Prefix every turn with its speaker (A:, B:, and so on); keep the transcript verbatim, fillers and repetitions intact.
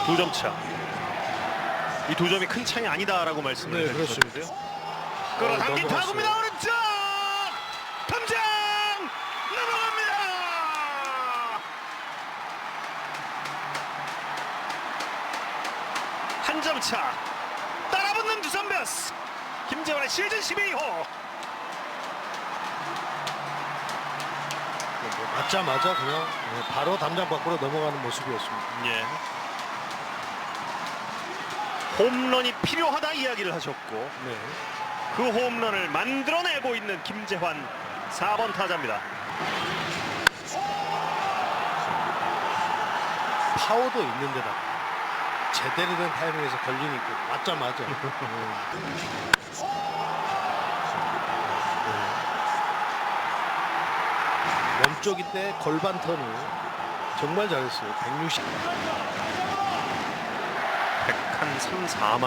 A: 두 점 차. 이 두 점이 큰 차이 아니다라고 말씀을
B: 네,
A: 해주셨는데요. 끌어당긴
B: 넘어갔어요.
A: 타구입니다. 오른쪽 탐장 넘어갑니다. 한 점 차. 따라붙는 두산 베어스. 김재환의 시즌 십이 호.
B: 맞자마자 그냥 네, 바로 담장 밖으로 넘어가는 모습이었습니다.
A: 예. 홈런이 필요하다 이야기를 하셨고
B: 네.
A: 그 홈런을 만들어내고 있는 김재환 사 번 타자입니다.
B: 파워도 있는데다 제대로 된 타이밍에서 걸리니까 맞자마자 네. 네. 멈쪽인데 골반 턴을 정말 잘했어요. 백육십.
A: 백삼, 사만